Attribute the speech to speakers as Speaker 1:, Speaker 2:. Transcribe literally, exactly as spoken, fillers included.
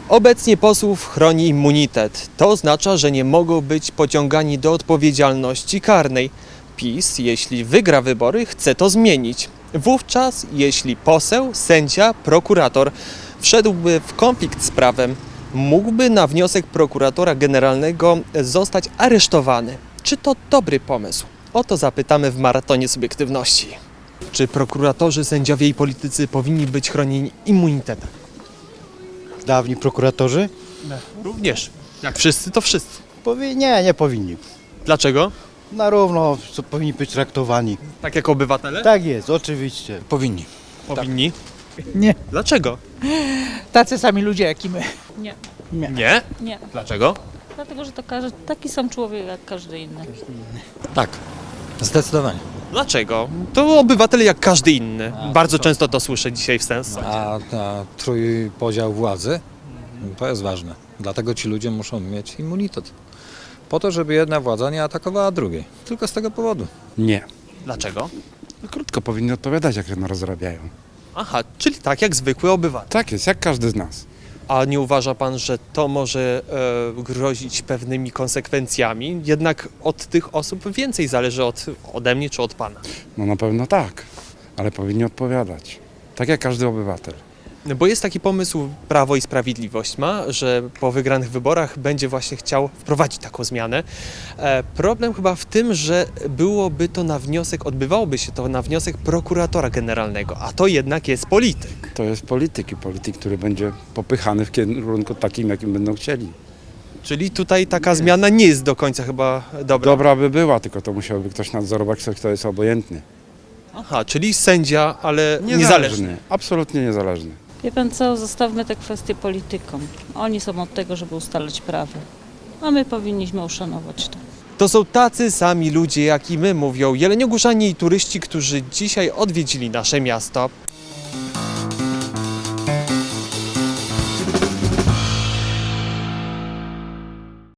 Speaker 1: Obecnie posłów chroni immunitet. To oznacza, że nie mogą być pociągani do odpowiedzialności karnej. PiS, jeśli wygra wybory, chce to zmienić. Wówczas, jeśli poseł, sędzia, prokurator wszedłby w konflikt z prawem, mógłby na wniosek prokuratora generalnego zostać aresztowany. Czy to dobry pomysł? O to zapytamy w maratonie subiektywności. Czy prokuratorzy, sędziowie i politycy powinni być chronieni immunitetem?
Speaker 2: Dawni prokuratorzy?
Speaker 1: Również. Jak wszyscy, to wszyscy.
Speaker 2: Powi- nie, nie powinni.
Speaker 1: Dlaczego?
Speaker 2: Na równo co powinni być traktowani.
Speaker 1: Tak jak obywatele?
Speaker 2: Tak jest, oczywiście.
Speaker 3: Powinni.
Speaker 1: Powinni.
Speaker 4: Nie,
Speaker 1: Dlaczego?
Speaker 4: tacy sami ludzie jak i my.
Speaker 5: Nie,
Speaker 1: Nie?
Speaker 5: nie.
Speaker 1: Dlaczego?
Speaker 5: Dlatego, że to każdy, taki sam człowiek jak każdy inny.
Speaker 3: Tak, zdecydowanie.
Speaker 1: Dlaczego? To obywatele jak każdy inny. Bardzo często to słyszę dzisiaj w sens.
Speaker 3: A, a trójpodział władzy to jest ważne. Dlatego ci ludzie muszą mieć immunitet. Po to, żeby jedna władza nie atakowała drugiej. Tylko z tego powodu.
Speaker 6: Nie.
Speaker 1: Dlaczego?
Speaker 6: No krótko powinni odpowiadać, jak no rozrabiają.
Speaker 1: Aha, czyli tak jak zwykły obywatel.
Speaker 6: Tak jest, jak każdy z nas.
Speaker 1: A nie uważa pan, że to może e, grozić pewnymi konsekwencjami? Jednak od tych osób więcej zależy od, ode mnie czy od pana.
Speaker 6: No na pewno tak, ale powinni odpowiadać. Tak jak każdy obywatel.
Speaker 1: Bo jest taki pomysł, Prawo i Sprawiedliwość ma, że po wygranych wyborach będzie właśnie chciał wprowadzić taką zmianę. E, problem chyba w tym, że byłoby to na wniosek, odbywałoby się to na wniosek prokuratora generalnego, a to jednak jest polityk.
Speaker 6: To jest polityk i polityk, który będzie popychany w kierunku takim, jakim będą chcieli.
Speaker 1: Czyli tutaj taka zmiana nie jest do końca chyba dobra.
Speaker 6: Dobra by była, tylko to musiałby ktoś nadzorować, kto jest obojętny.
Speaker 1: Aha, czyli sędzia, ale niezależny.
Speaker 6: Absolutnie niezależny.
Speaker 5: Wie pan co, zostawmy te kwestie politykom. Oni są od tego, żeby ustalać prawo. A my powinniśmy uszanować to.
Speaker 1: To są tacy sami ludzie jak i my, mówią jeleniogórzanie i turyści, którzy dzisiaj odwiedzili nasze miasto.